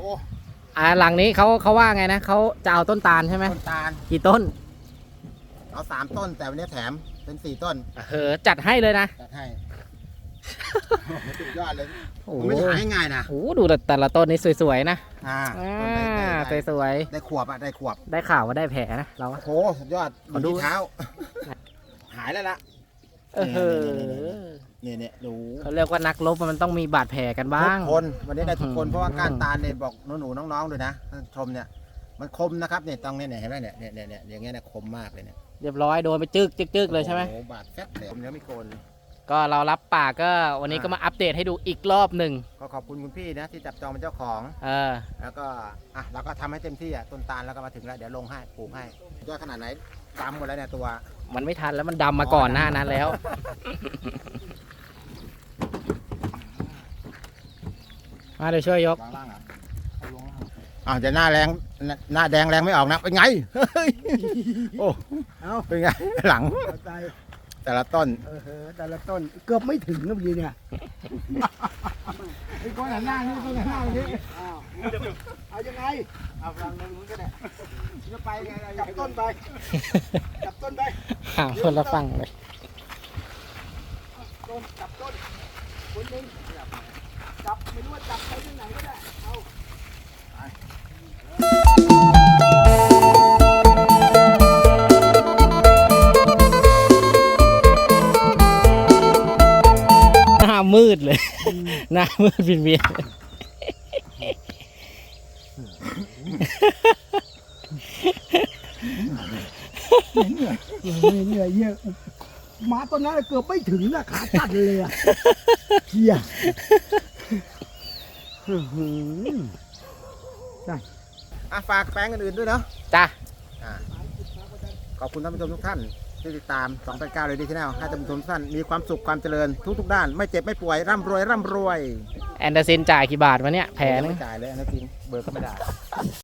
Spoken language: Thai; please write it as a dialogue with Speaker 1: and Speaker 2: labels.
Speaker 1: หลังนี้เขาว่าไงนะเขาจะเอาต้นตาลใช่ไหม
Speaker 2: ต้นตาล
Speaker 1: กี่ต้น
Speaker 2: เอา3 ต้นแต่วันนี้แถมเป็น4 ต้น
Speaker 1: จัดให้เลยนะ
Speaker 2: จัดให้สุดยอดเลย
Speaker 1: โอ้
Speaker 2: ไม่ได้หาง่ายๆนะ
Speaker 1: โอ้ดูแต่ละต้นนี้สวยๆนะ
Speaker 2: ต้น
Speaker 1: สวย
Speaker 2: ได้ขวบอ่ะได้ขวบ
Speaker 1: ได้ข่าวว่าได้แผลนะเรา
Speaker 2: โอ้โหสุดยอดขอดูเท้าหายแล้วล่ะเนี่ยดู
Speaker 1: เขาเรียกว่านักรบมันต้องมีบาดแผลกันบ้าง
Speaker 2: ทุกคนวันนี้ได้ทุกคนเพราะว่าก้านตาลเนี่ยบอกหนูน้องๆด้วยนะท่านชมเนี่ยมันคมนะครับเนี่ยตรงนี้เนี่ยเห็นไหมเนี่ยอย่างเงี้ยเนี่ยคมมากเลยเนี่ย
Speaker 1: เรียบร้อยโดนไปจึกเลยใช่ไหม
Speaker 2: โอ้บาดแฟบเลยผมยังไม่โกน
Speaker 1: ก็เรารับปากก็วันนี้ก็มาอัปเดตให้ดูอีกรอบหนึ่ง
Speaker 2: ก็ขอบคุณคุณพี่นะที่จับจองเป็นเจ้าของแล้วก็เราก็ทำให้เต็มที่ต้นตาลแล้วก็มาถึงแล้วเดี๋ยวลงให้ปลูกให้ยอดขนาดไหนดำหมดแล้วเนี่ยตัว
Speaker 1: มันไม่ทันแล้วมันดำมาก่อนหน้านั้นแล้วมาเดี๋ยวช่วยยก
Speaker 2: จะหน้าแรงหน้าแดงแรงไม่ออกนะเป็นไงโอ้เป็นไงหลังแต่ละต้น
Speaker 3: เกือบไม่ถึงนะพี่เนี่ย
Speaker 2: ไอ้ก้อนหน้านี่ต้นหน้านี้
Speaker 3: เอายังไง
Speaker 2: เอาฟังตรงนู้นก็ได้จะไปไง
Speaker 3: จับต้นไป
Speaker 1: หาคนละฟังเลย
Speaker 3: จับต้นคนนึงจับไม่รู้ว่าจับไปที่ไหนก็ได้เอา
Speaker 1: หน้ามืดเลยหน้ามืดเวียน
Speaker 3: เหนื่อยเยอะมาตอนนั้นเกือบไม่ถึงนะขาตัดเลยอ่ะเฮีย
Speaker 2: ฝากแปลงอื่นๆด้วยเนาะ
Speaker 1: จ้ะ
Speaker 2: ขอบคุณท่านผู้ชมทุกท่านที่ติดตาม289เลยดีที่แนวให้ท่านผู้ชมทุกท่านมีความสุขความเจริญทุกด้านไม่เจ็บไม่ป่วยร่ำรวย
Speaker 1: แอนเดอร์ซินจ่ายกี่บาทวะเนี่ยแผลนึง
Speaker 2: ไม่จ่ายเลยนะจริงเบอร์ก็ไม่ได้